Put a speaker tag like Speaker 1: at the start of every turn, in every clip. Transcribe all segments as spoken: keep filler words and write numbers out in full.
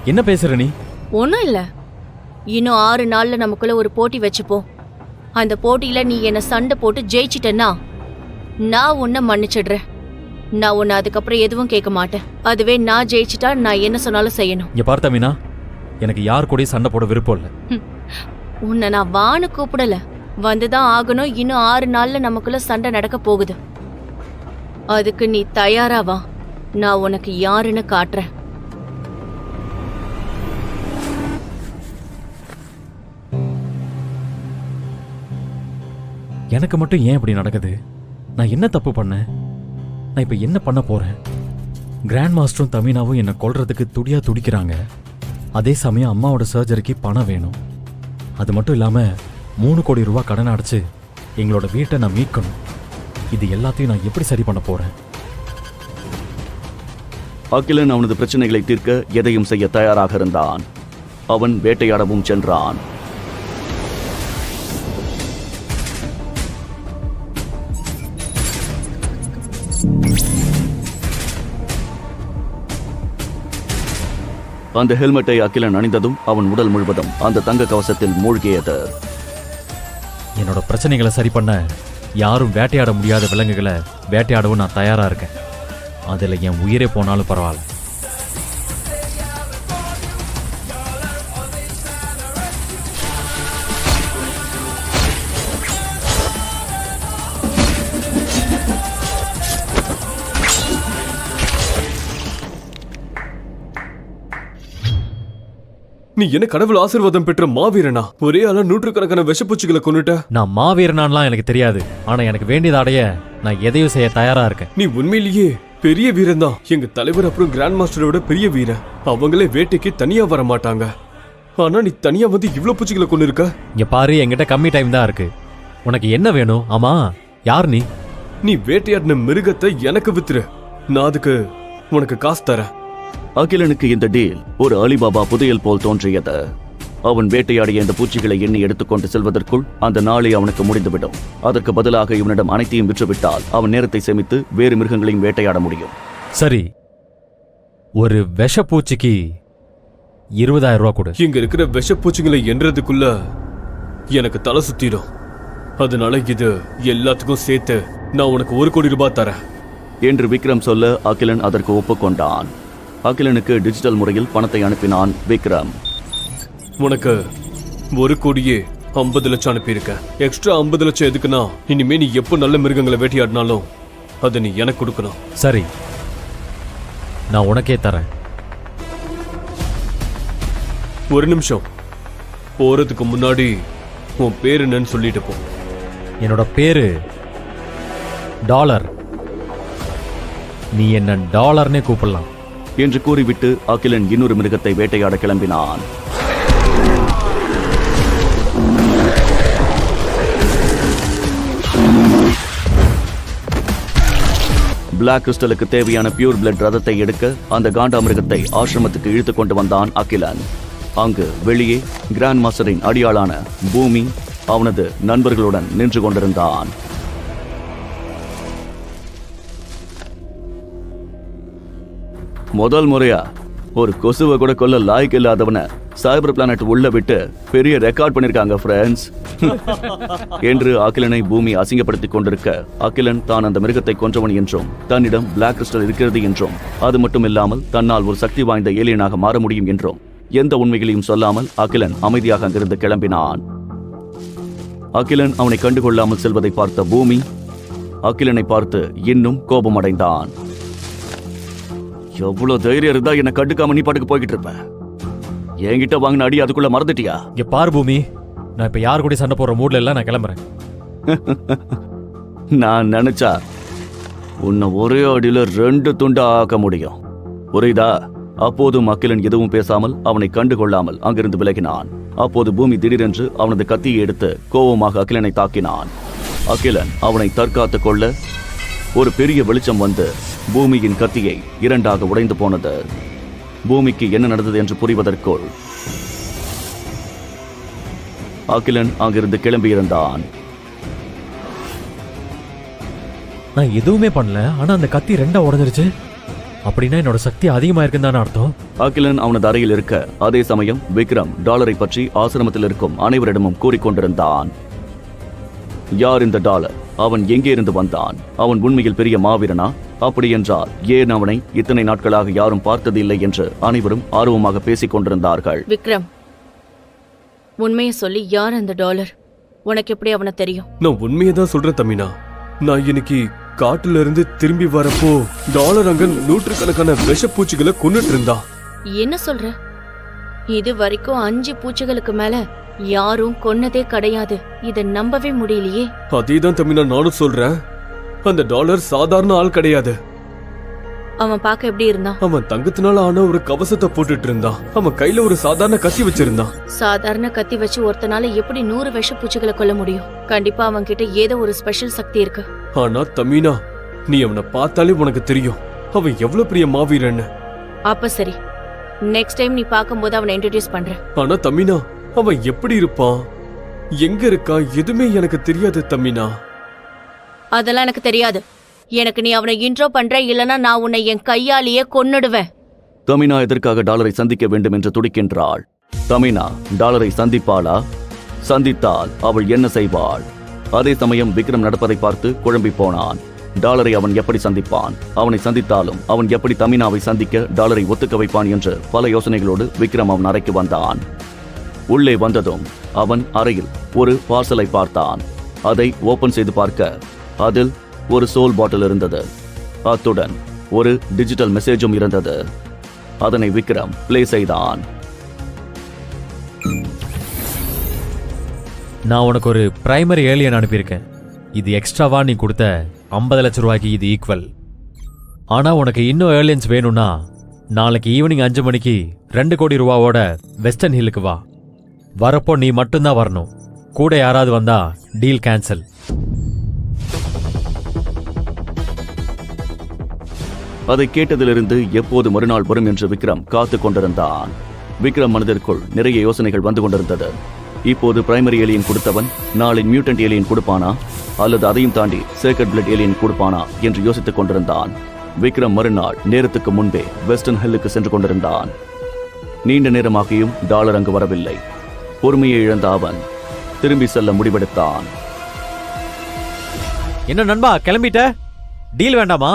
Speaker 1: என்ன பேசுற நீ?
Speaker 2: ஒன்றும் இல்லை. இன்னும் ஆறு நாள்ல நமக்குள்ள ஒரு போட்டி வச்சுப்போம். அந்த போட்டியில நீ என்ன சண்டை போட்டு ஜெயிச்சிட்டேன்னா நான் உன்னை மன்னிச்சிடுறேன். நான் உன்னை அதுக்கப்புறம் எதுவும் கேட்க மாட்டேன். அதுவே நான் ஜெயிச்சிட்டா நான் என்ன சொன்னாலும் செய்யணும்.
Speaker 1: இங்க பார்த்த மீனா, எனக்கு யார் கூடயும் சண்டை போட விருப்பம் இல்லை.
Speaker 2: உன்னை நான் வான்னு கூப்பிடல, வந்துதான் ஆகணும். இன்னும் ஆறு நாள்ல நமக்குள்ள சண்டை நடக்க போகுது. அதுக்கு நீ தயாராவா? நான் உனக்கு யாருன்னு காட்டுறேன்.
Speaker 1: எனக்கு மட்டும் ஏன் இப்படி நடக்குது? நான் என்ன தப்பு பண்ணேன்? நான் இப்ப என்ன பண்ண போறேன்? கிராண்ட் மாஸ்டரும் தமினாவும் என்னை கொல்றதுக்கு துடியா துடிக்கிறாங்க. அதே சமயம் அம்மாவோட சர்ஜரிக்கு பணம் வேணும். அது மட்டும் இல்லாம மூணு கோடி ரூபாய் கடன் அடைச்சு எங்களோட வீட்டை நான் மீட்கணும். இது எல்லாத்தையும் நான் எப்படி சரி பண்ண போறேன்?
Speaker 3: அகிலன் அவனது பிரச்சனைகளை தீர்க்க எதையும் செய்ய தயாராக இருந்தான். அவன் வேட்டையாடவும் சென்றான். அந்த ஹெல்மெட்டை அகிலன் அணிந்ததும் அவன் உடல் முழுவதும் அந்த தங்க கவசத்தில் மூழ்கியது.
Speaker 1: என்னோட பிரச்சனைகளை சரி பண்ண யாரும் வேட்டையாட முடியாத விலங்குகளை வேட்டையாடவும் நான் தயாரா இருக்கேன். அதில் என் உயிரே போனாலும் பரவாயில்ல.
Speaker 4: நீ என்ன கடவுள் ஆசீர்வாதம் பெற்ற மாவீரனா? ஒரே ஆளா நூற்றுக்கணக்கான விஷப்பூச்சிகளை கொன்னுட்ட.
Speaker 1: நான் மாவீரனான்லாம் எனக்கு தெரியாது. ஆனா எனக்கு வேண்டியதை அடைய நான் எதையும் செய்ய தயாரா இருக்கேன்.
Speaker 4: நீ உண்மையிலேயே பெரிய வீரன் தான். எங்க தலைவர் அப்புறம் கிராண்ட் மாஸ்டரோட பெரிய வீரன். அவங்களே வேட்டைக்கு தனியா வர மாட்டாங்க. ஆனா நீ தனியா வந்து இவ்வளவு பூச்சிகளை கொண்டு இருக்க.
Speaker 1: இங்க பாரு, என்கிட்ட கம்மி டைம் தான் இருக்கு. உனக்கு என்ன வேணும்? ஆமா, யார் நீ?
Speaker 4: நீ வேட்டையாடின மிருகத்தை எனக்கு வித்துரு. நான் அதுக்கு உனக்கு காசு தரேன்.
Speaker 3: அகிலனுக்கு இந்த டீல் ஒரு அலிபாபா புதையல் போல் தோன்றியது. அவன் வேட்டையாடிய இந்த பூச்சிகளை எண்ணி எடுத்துக்கொண்டு செல்வதற்குள் அந்த நாளை அவனுக்கு முடிந்துவிடும். அதற்கு பதிலாக இவனிடம் அனைத்தையும் விற்றுவிட்டால் அவன் நேரத்தை சேமித்து வேறு மிருகங்களையும் வேட்டையாட முடியும்.
Speaker 1: சரி, ஒரு விஷப்பூச்சிக்கு இருபதாயிரம் ரூபாய் கொடு.
Speaker 4: இங்க இருக்கிற விஷப்பூச்சிகளை எண்றதுக்குள்ள எனக்கு தலை சுத்திடும். அதனால இது எல்லாத்துக்கும் சேர்த்து நான் உனக்கு ஒரு கோடி ரூபாய் தரேன்
Speaker 3: என்று விக்ரம் சொல்ல அகிலன் அதற்கு ஒப்புக்கொண்டான். அகிலனுக்கு டிஜிட்டல் முறையில் பணத்தை அனுப்பினான் விக்ரம்.
Speaker 4: உனக்கு ஒரு கோடியே ஐம்பது லட்சம் அனுப்பியிருக்க. எக்ஸ்ட்ரா ஐம்பது லட்சம் எதுக்குன்னா, இனிமே நீ எப்போ நல்ல மிருகங்களை வேட்டையாடினாலும் அதை நீ எனக்கு கொடுக்கணும்.
Speaker 1: சரி, நான் உனக்கே தரேன்.
Speaker 4: ஒரு நிமிஷம், போறதுக்கு முன்னாடி உன் பேரு என்னன்னு சொல்லிட்டு போ.
Speaker 1: என்னோட பேரு டாலர். நீ என்ன டாலர்னே கூப்பிடலாம்
Speaker 3: என்று கூறிவிட்டு அகிலன் இன்னொரு மிருகத்தை வேட்டையாட கிளம்பினான். பிளாக் கிறிஸ்டலுக்கு தேவையான பியூர் பிளட் ரதத்தை எடுக்க அந்த காண்டா மிருகத்தை ஆசிரமத்துக்கு இழுத்து கொண்டு வந்தான் அகிலன். அங்கு வெளியே கிராண்ட் மாஸ்டரின் அடியாளான பூமி அவனது நண்பர்களுடன் நின்று கொண்டிருந்தான். முதல் முறையா ஒரு கொசுவை கூட கொல்ல லாய்க்கு இல்லாதவனை சைபர் பிளானட் உள்ள விட்டு பெரிய ரெக்கார்ட் பண்ணிருக்காங்க ஃப்ரெண்ட்ஸ் என்று அகிலனை பூமி அசிங்கப்படுத்திக் கொண்டிருக்க, அகிலன் தான் அந்த மிருகத்தை கொன்றவன் என்றும் தன்னிடம் பிளாக் கிறிஸ்டல் இருக்கிறது என்றும் அது மட்டும் இல்லாமல் தன்னால் ஒரு சக்தி வாய்ந்த ஏலியனாக மாற முடியும் என்றும் எந்த உண்மைகளையும் சொல்லாமல் அகிலன் அமைதியாக அங்கிருந்து கிளம்பினான். அகிலன் அவனை கண்டுகொள்ளாமல் செல்வதை பார்த்த பூமி அகிலனை பார்த்து இன்னும் கோபமடைந்தான். எவ்வளவு தைரியம் இருந்தா என்ன கண்டுக்காம நீ பாட்டுக்கு போய்கிட்டு இருப்ப. என்கிட்ட வாங்கின அடி அதுக்குள்ள மறந்துட்டியா?
Speaker 1: இங்க பாரு பூமி, நான் இப்ப யாரு கூட சண்டை போடுற மூட்ல எல்லாம் நான் கிளம்புறேன்.
Speaker 3: நான் நினைச்சா உன்னை ஒரே அடியில ரெண்டு துண்டா ஆக்க முடியும், புரியுதா? அப்போதும் அகிலன் எதுவும் பேசாமல் அவனை கண்டுகொள்ளாமல் அங்கிருந்து விலகினான். அப்போது பூமி திடீரென்று அவனது கத்தியை எடுத்து கோபமாக அகிலனை தாக்கினான். அகிலன் அவனை தற்காத்துக் கொள்ள ஒரு பெரிய வெளிச்சம் வந்து பூமியின் கத்தியை இரண்டாக உடைந்து போனது. பூமிக்கு என்ன நடந்தது என்று புரிவதற்குள் அகிலன் அங்கிருந்து கிளம்பியிருந்தான்.
Speaker 1: நான் எதுவுமே பண்ணல, ஆனா அந்த கத்தி ரெண்டா உடைஞ்சிருச்சு. அப்படின்னா என்னோட சக்தி அதிகமா இருக்குன்னு தானே அர்த்தம்.
Speaker 3: அகிலன் அவனது அறையில் இருக்க அதே சமயம் விக்ரம் டாலரை பற்றி ஆசிரமத்தில் இருக்கும் அனைவரிடமும் கூறிக்கொண்டிருந்தான். யார் இந்த டாலர்? அவன் எங்கே இருந்து வந்தான்? அவன் உண்மையில் பெரிய மாவீரனா? அப்படி என்றால் ஏன் அவனை இத்தனை நாட்களாக யாரும் பார்த்தது இல்லை என்று அனைவரும் ஆர்வமாக பேசிக் கொண்டிருந்தார்கள்.
Speaker 2: விக்ரம், உண்மையை சொல்லி யார் அந்த டாலர்? உனக்கு எப்படி அவனை தெரியும்?
Speaker 4: நான் உண்மையை தான் சொல்றேன் தமினா. நான் இன்னைக்கு காட்டுல இருந்து திரும்பி வரப்போ டாலர் அங்க நூற்றுக்கணக்கான விஷப்பூச்சிகளை கொன்னுட்டு இருந்தா.
Speaker 2: என்ன சொல்ற? இது வரைக்கும் அஞ்சு பூச்சிகளுக்கு மேல யாரும் கொன்னதே கிடையாது. இத நம்பவே முடியலையே.
Speaker 4: அதேதான் தமினா நானும் சொல்றேன். அந்த டாலர் சாதாரண ஆள் கிடையாது.
Speaker 2: அவன் பார்க்க எப்படி இருந்தான்?
Speaker 4: அவன் தங்கத்தினால ஆன ஒரு கவசத்தை போட்டுட்டு இருந்தான். அவன் கையில ஒரு சாதாரண கத்தி வச்சிருந்தான்.
Speaker 2: சாதாரண கத்தி வச்சு ஒருத்தனால எப்படி நூறு விஷ பூச்சிகளை கொல்ல முடியும்? கண்டிப்பா அவன் கிட்ட ஏதோ ஒரு ஸ்பெஷல் சக்தி இருக்கு.
Speaker 4: ஆனா தமினா, நீ அவனை பார்த்தாலே உனக்கு தெரியும் அவன் எவ்வளவு பெரிய மாவீரன்னு.
Speaker 2: அப்ப சரி, நெக்ஸ்ட் டைம் நீ பார்க்கும்போது அவனை இன்ட்ரோடியூஸ் பண்றேன்.
Speaker 4: ஆனா தமினா, அவன் எப்படி இருப்பான், எங்க இருக்கான், எதுவுமே எனக்கு தெரியாது தமினா.
Speaker 2: அதெல்லாம் எனக்கு தெரியாது. எனக்கு நீ அவனை இன்ட்ரோ பண்ற, இல்லனா நான் உன்னை என் கையாலேயே கொன்னுடுவேன்.
Speaker 3: தமினா எதற்காக டாலரை சந்திக்க வேண்டும் என்று துடிக்கின்றாள். தமினா டாலரை சந்திப்பாளா? சந்தித்தால் அவள் என்ன செய்வாள்? அதே சமயம் விக்ரம் நடப்பதை பார்த்து குழம்பி போனான். டாலரை அவன் எப்படி சந்திப்பான்? அவனை சந்தித்தாலும் அவன் எப்படி தமினாவை சந்திக்க டாலரை ஒத்துக்க வைப்பான் என்று பல யோசனைகளோடு விக்ரம் அவன் அறைக்கு வந்தான். உள்ளே வந்ததும் அவன் அறையில் ஒரு பார்சலை பார்த்தான். அதை ஓபன் செய்து பார்க்க அதில் ஒரு சோல் பாட்டில் இருந்தது. அத்துடன் ஒரு டிஜிட்டல் மெசேஜும் இருந்தது. அதனை விக்ரம் பிளே செய்தான்.
Speaker 1: நான் உனக்கு ஒரு பிரைமரி ஏலியன் அனுப்பியிருக்கேன். இது எக்ஸ்ட்ராவா நீ கொடுத்த ஐம்பது லட்சம் ரூபாய்க்கு இது ஈக்குவல். ஆனா உனக்கு இன்னும் ஏலியன்ஸ் வேணும்னா நாளைக்கு ஈவினிங் அஞ்சு மணிக்கு ரெண்டு கோடி ரூபாவோட வெஸ்டர்ன் ஹில்லுக்கு வா. வரப்போ நீ மட்டும்தான் வரணும். கூட யாராவது வந்தா டீல் கேன்சல்.
Speaker 3: அதை கேட்டதிலிருந்து எப்போது மறுநாள் வரும் என்று விக்ரம் காத்து கொண்டிருந்தான். விக்ரம் மனதிற்குள் நிறைய யோசனைகள் வந்து கொண்டிருந்தது. இப்போது பிரைமரி ஏலியன் கொடுத்தவன் நாளை மியூட்டன்ட் ஏலியன் கொடுப்பானா, அல்லது அதையும் தாண்டி சேக்ரெட் பிளட் ஏலியன் கொடுப்பானா என்று யோசித்துக் கொண்டிருந்தான். விக்ரம் மறுநாள் நேரத்துக்கு முன்பே வெஸ்டர்ன் ஹில்லுக்கு சென்று கொண்டிருந்தான். நீண்ட நேரமாகியும் டாலர் அங்கு வரவில்லை. பொறுமையை இழந்த அவன் திரும்பி செல்ல முடிவெடுத்தான்.
Speaker 1: என்ன நண்பா, கிளம்பிட்ட? டீல் வேண்டாமா?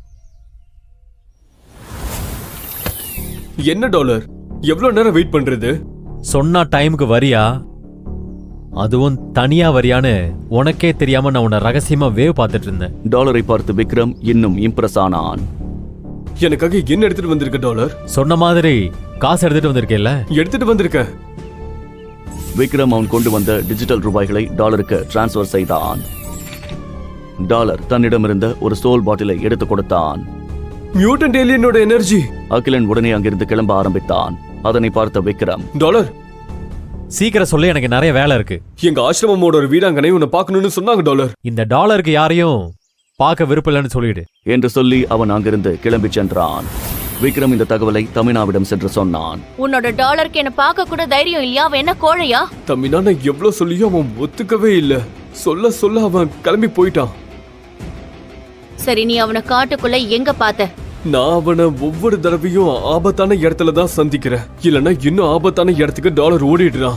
Speaker 4: என்ன டாலர், எவ்வளவு நேரம் வெயிட் பண்றது?
Speaker 1: சொன்னா டைமுக்கு வரியா? அதுவும் தனியா வரியான்னு உனக்கே தெரியாம நான் உன்னை ரகசியமா வேவ் பார்த்துட்டு இருந்தேன்.
Speaker 3: டாலரை பார்த்து விக்ரம் இன்னும் இம்ப்ரெஸ் ஆனான்.
Speaker 4: எனக்காக என்ன எடுத்துட்டு வந்திருக்க டாலர்?
Speaker 1: சொன்ன மாதிரி காசு எடுத்துட்டு வந்திருக்கேல்ல?
Speaker 4: எடுத்துட்டு வந்திருக்க.
Speaker 3: விக்ரம் அவன் கொண்டு வந்த டிஜிட்டல் ரூபாய்களை டாலருக்கு டிரான்ஸ்ஃபர் செய்தான். டாலர் தன்னிடமிருந்த ஒரு சோல் பாட்டிலை எடுத்து கொடுத்தான்.
Speaker 4: Mutant ஏலியனோட energy.
Speaker 3: அகிலன் உடனே அங்கிருந்து கிளம்ப ஆரம்பித்தான். அதனை பார்த்த விக்ரம்,
Speaker 4: டாலர்
Speaker 1: சீக்கிரம் சொல்ல, எனக்கு நிறைய வேலை இருக்கு.
Speaker 4: எங்க ஆசிரமமோட ஒரு வீடாங்கனை உன்னை பார்க்கணும்னு சொன்னாங்க டாலர்.
Speaker 1: இந்த டாலருக்கு யாரையும் பார்க்க விருப்பம் சொல்லிடு
Speaker 3: என்று சொல்லி அவன் அங்கிருந்து கிளம்பி சென்றான். விக்ரம் இந்த தகவலை தமினாவிடம் சென்று சொன்னான்.
Speaker 2: உன்னோட டாலருக்கு என்ன பார்க்க கூட தைரியம் இல்லையா? அவன் என்ன கோழையா?
Speaker 4: தமினா, நான் எவ்வளவு சொல்லியும் அவன் ஒத்துக்கவே இல்ல. சொல்ல சொல்ல அவன் கிளம்பி போயிட்டான்.
Speaker 2: சரி, நீ அவனை காட்டுக்குள்ள எங்க பார்த்த?
Speaker 4: நான் அவனை ஒவ்வொரு தடவையும் ஆபத்தான இடத்துல தான் சந்திக்கிறேன். இல்லனா இன்னும் ஆபத்தான இடத்துக்கு டாலர் ஓடிடுறான்.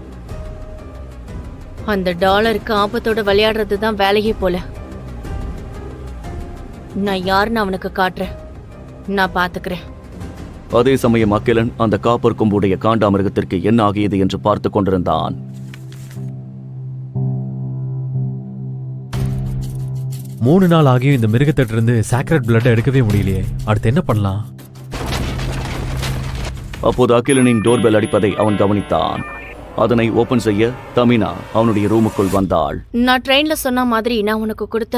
Speaker 2: அந்த டாலருக்கு ஆபத்தோட விளையாடுறது தான் வேலையே போல. நான் யாருன்னு அவனுக்கு காட்டுறேன். நான் பாத்துக்கிறேன்.
Speaker 3: அதே சமயம் அகிலன் அந்த காப்பர் கொம்புடைய காண்டாமிருகத்திற்கு என்ன ஆகியது என்று பார்த்து கொண்டிருந்தான்.
Speaker 1: மூணு நாள் ஆகியும் இந்த மிருகத்திட்ட இருந்து சாக்ரெட் பிளட் எடுக்கவே முடியலையே. அடுத்து என்ன பண்ணலாம்?
Speaker 3: அப்போது அகிலனின் டோர்பெல் அடிப்பதை அவன் கவனித்தான். அதனை ஓபன் செய்ய தமினா அவனுடைய ரூமுக்குள் வந்தாள்.
Speaker 2: நான் ட்ரெயின்ல சொன்ன மாதிரி நான் உனக்கு கொடுத்த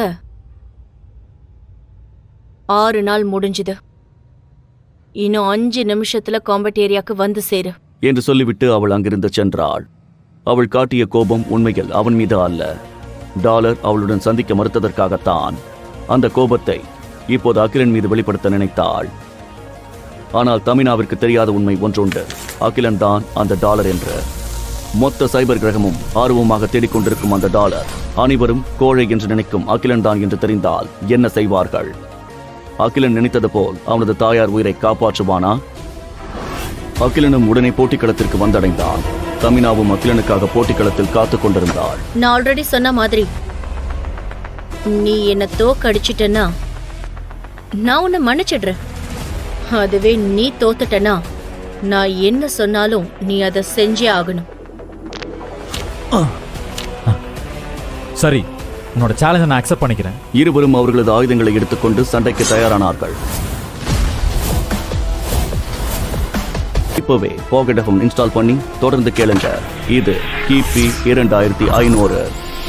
Speaker 2: ஆறு நாள் முடிஞ்சுது. இன்னும் அஞ்சு நிமிஷத்துல காம்பட் ஏரியாக்கு வந்து சேரு
Speaker 3: என்று சொல்லிவிட்டு அவள் அங்கிருந்து சென்றாள். அவள் காட்டிய கோபம் உண்மையில் அவன் மீது அல்ல, டாலர் அவளுடன் சந்திக்க மறுத்ததற்காகத்தான். அந்த கோபத்தை இப்போது அகிலன் மீது வெளிப்படுத்த நினைத்தாள். ஆனால் தமினாவிற்கு தெரியாத உண்மை ஒன்றுண்டு. அகிலன் தான் அந்த டாலர் என்று. மொத்த சைபர் கிரகமும் ஆர்வமாக தேடிக்கொண்டிருக்கும் அந்த டாலர் அனைவரும் கோழை என்று நினைக்கும் அகிலன் தான் என்று தெரிந்தால் என்ன செய்வார்கள்? அகிலன் நினைத்தது போல் அவனது தாயார் உயிரை காப்பாற்றுவானா? அகிலனும் உடனே போட்டிக்களத்திற்கு வந்தடைந்தான். தமினாவும் அகிலனுக்காக போட்டிக்களத்தில் காத்துக் கொண்டிருந்தாள்.
Speaker 2: நான் ஆல்ரெடி சொன்ன மாதிரி நீ என்ன தோக்கடிச்சிட்டனா நான் உன்னை மன்னிச்சிடுறேன். அதுவே நீ தோத்துட்டனா நான் என்ன சொன்னாலும் நீ அதை செஞ்சே ஆகணும்.
Speaker 1: சரி, உன்னோட சேலஞ்சை நான் அக்செப்ட் பண்ணிக்கிறேன்.
Speaker 3: இருவரும் அவர்களது ஆயுதங்களை எடுத்துக்கொண்டு சண்டைக்கு தயாரானார்கள். இப்பவே பாக்கெட் எஃப்எம் இன்ஸ்டால் பண்ணி தொடர்ந்து கேளுங்க. இது கிபி இரண்டாயிரத்தி ஐநூறு.